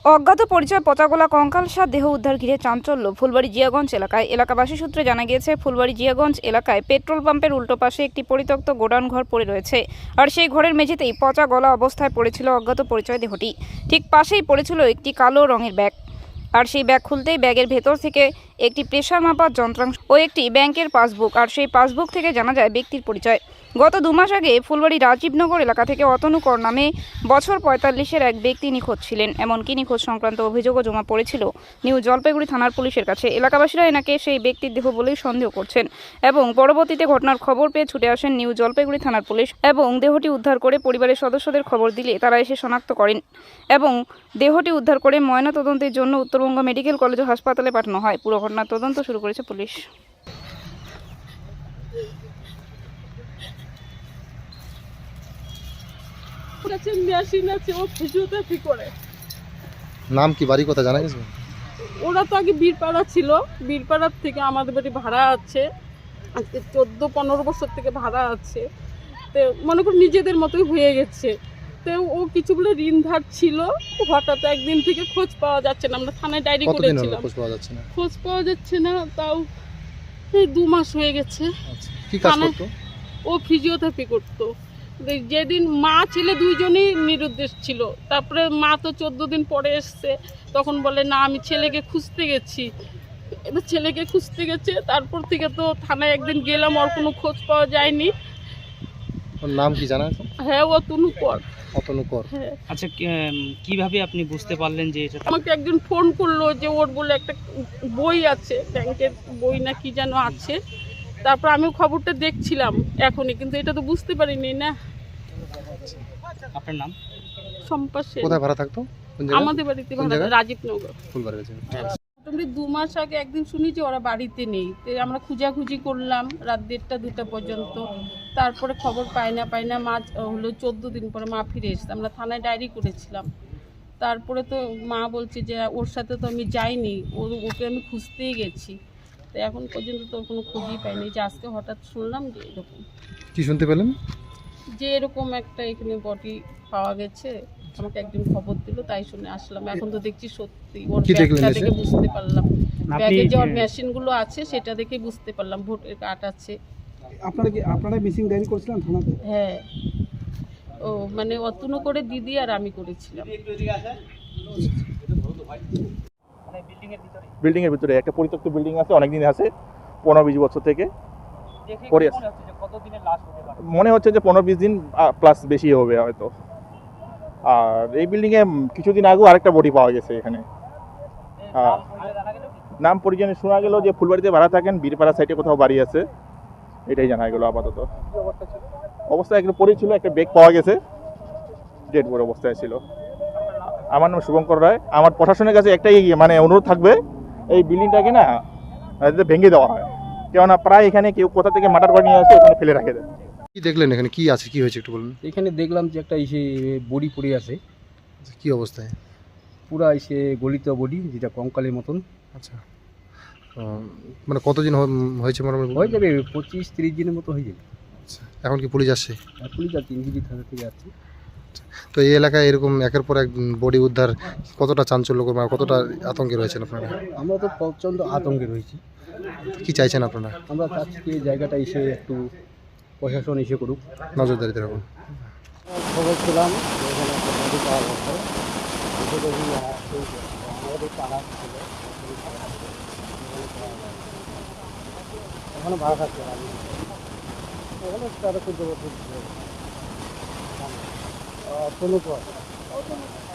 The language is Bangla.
অজ্ঞাত পরিচয় পচাগোলা কঙ্কালসার দেহ উদ্ধার ঘিরে চাঞ্চল্য ফুলবাড়ী জিয়াগঞ্জ এলাকায়। এলাকাবাসী সূত্রে জানা গিয়েছে, ফুলবাড়ী জিয়াগঞ্জ এলাকায় পেট্রোল পাম্পের উল্টো পাশে একটি পরিত্যক্ত গোডাউন ঘর পড়ে রয়েছে। আর সেই ঘরের মেঝেতেই পচা গলা অবস্থায় পড়েছিল অজ্ঞাত পরিচয় দেহটি। ঠিক পাশেই পড়েছিল একটি কালো রঙের ব্যাগ। আর সেই ব্যাগ খুলতেই ব্যাগের ভেতর থেকে একটি প্রেসার মাপার যন্ত্রাংশ ও একটি ব্যাংকের পাসবুক। আর সেই পাসবুক থেকে জানা যায় ব্যক্তির পরিচয়। গত 2 মাস আগে ফুলবাড়ী রাজীবনগর এলাকা থেকে অতনু কর নামে বছর 45-এর এক ব্যক্তি নিখোঁজ ছিলেন। এমনকি নিখোঁজ সংক্রান্ত অভিযোগও জমা পড়েছিল নিউ জলপাইগুড়ি থানার পুলিশের কাছে। এলাকাবাসীরা এনাকে সেই ব্যক্তির দেহ বলেই সন্দেহ করছেন এবং পরবর্তীতে ঘটনার খবর পেয়ে ছুটে আসেন নিউ জলপাইগুড়ি থানার পুলিশ এবং দেহটি উদ্ধার করে পরিবারের সদস্যদের খবর দিলে তারা এসে শনাক্ত করেন এবং দেহটি উদ্ধার করে ময়নাতদন্তের জন্য উত্তরবঙ্গ মেডিকেল কলেজ ও হাসপাতালে পাঠানো হয়। পুরো ঘটনার তদন্ত শুরু করেছে পুলিশ। নাম কি, বাড়ি কথা জানা গেছে? ওরা তো আগে বীরপাড়া ছিল, বীরপাড়ার থেকে আমাদের বাড়ি ভাড়া আছে, আজকে 14-15 বছর থেকে ভাড়া আছে। তো মনে করি নিজেদের মতোই হয়ে গেছে। তো ও কিছু বলে ঋণ ধার ছিল, হঠাৎ একদিন থেকে খোঁজ পাওয়া যাচ্ছে না। আমরা থানায় ডায়েরি করেছিলাম, খোঁজ পাওয়া যাচ্ছে না। তাও এই 2 মাস হয়ে গেছে। কি কাজ করতো? ও ফিজিওথেরাপি করতো। যেদিন মা ছেলে দুইজনই নিরুদ্দেশ ছিল। তারপরে মা তো 14 দিন পরে এসছে, তখন বলে না আমি ছেলেকে খুঁজতে গেছি। এবার ছেলেকে খুঁজতে গেছে, তারপর থেকে তো থানায় একদিন গেলাম, ওর কোনো খোঁজ পাওয়া যায়নি। ওর নাম কি জানা আছে? হ্যাঁ, অতনু কর। অতনু কর। হ্যাঁ। আচ্ছা, কিভাবে আপনি বুঝতে পারলেন যে এটা? আমাকে একজন ফোন করলো যে ওর বলে একটা বই আছে, ব্যাংকের বই না কি যেন আছে। তারপর আমিও খবরটা দেখছিলাম এখনই, কিন্তু এটা তো বুঝতে পারিনি না। আপনার নাম? সম্পা সেন। কোথায় ভাড়া থাকতো? আমাদের বাড়িতে ভাড়া, রাজীবনগর। ফুলবাড়ি গেছে। মোটামুটি 2 মাস আগে একদিন শুনি যে ওরা বাড়িতে নেই। তো আমরা খুঁজাখুঁজি করলাম রাত 1:30-2টা পর্যন্ত। তারপরে খবর পাই না মা হলো 14 দিন পরে মা ফিরে এসছে। আমরা থানায় ডায়েরি করেছিলাম। তারপরে তো মা বলছে যে ওর সাথে তো আমি যাইনি, ওকে আমি খুঁজতেই গেছি। তো এখন পর্যন্ত তো কোনো খোঁজই পাইনি। যে আজকে হঠাৎ শুনলাম যে এরকম। কি শুনতে পেলেন? যে এরকম একটা এখানে বডি পাওয়া গেছে, আমাকে একজন খবর দিল, তাই শুনে আসলাম। এখন তো দেখছি সত্যি ওর ব্যাগটা দেখে বুঝতে পারলাম, ব্যাগে যে ওর মেশিনগুলো আছে সেটা দেখে বুঝতে পারলাম ভোটের কার্ড আছে। আপনারা মিসিং ডায়েরি করেছিলেন থানাতে? হ্যাঁ, ও মানে অতনু করে দিদি আর আমি করেছিলাম। বিল্ডিং এর ভিতরে একটা পরিত্যক্ত বিল্ডিং আছে, অনেকদিন আছে, 15-20 বছর থেকে পড়ে আছে। মনে হচ্ছে যে 15-20 দিন প্লাস বেশি হবে হয়তো। আর এই বিল্ডিং এ কিছুদিন আগেও আরেকটা বডি পাওয়া গেছে এখানে। নাম পরিচয় শোনা গেল যে ফুলবাড়িতে ভাড়া থাকেন, বীরপাড়া সাইডে কোথাও বাড়ি আছে, এটাই জানা গেল আপাতত। অবস্থা একটু পড়েছিল, একটা ব্যাগ পাওয়া গেছে, ডেড বডি অবস্থায় ছিল। আমার নাম শুভঙ্কর রায়। আমার প্রশাসনের কাছে একটাই মানে অনুরোধ থাকবে, এই বিল্ডিংটাকে না ভেঙে দেওয়া হয়, কেননা প্রায় এখানে কেউ কোথা থেকে মার্ডার করে নিয়ে আসে ওখানে ফেলে রাখে দেয়। কি দেখলেন এখানে, কি আছে, কি হয়েছে একটু বলুন। এখানে দেখলাম যে একটা এসে বডি পড়ে আছে। কি অবস্থায়? পুরা এসে গলিত বডি, যেটা কঙ্কালের মতন। আচ্ছা, মানে কতদিন হয়েছে? মোটামুটি হয়ে যাবে 25-30 দিনের মতো হয়ে যাবে। আচ্ছা, এখন কি পুলিশ আসছে? আর পুলিশ আর 3 জিবি থানা থেকে আসছে। তো এই এলাকায় এরকম একের পর এক বডি উদ্ধার কতটা চাঞ্চল্যকর, মানে কতটা আতঙ্কে রয়েছেন আপনারা? আমরা তো প্রচণ্ড আতঙ্কে রয়েছি। কি চাইছেন আপনারা? আমরা চাচ্ছি কি জায়গাটা এসে একটু প্রশাসন এসে করুক, নজরদারিতে রাখুন। খবর পেলাম এখানে একটা বডি পাওয়া গেছে। এখানে ভাড়া থাকছে এখানে 13-14 বছর কোনো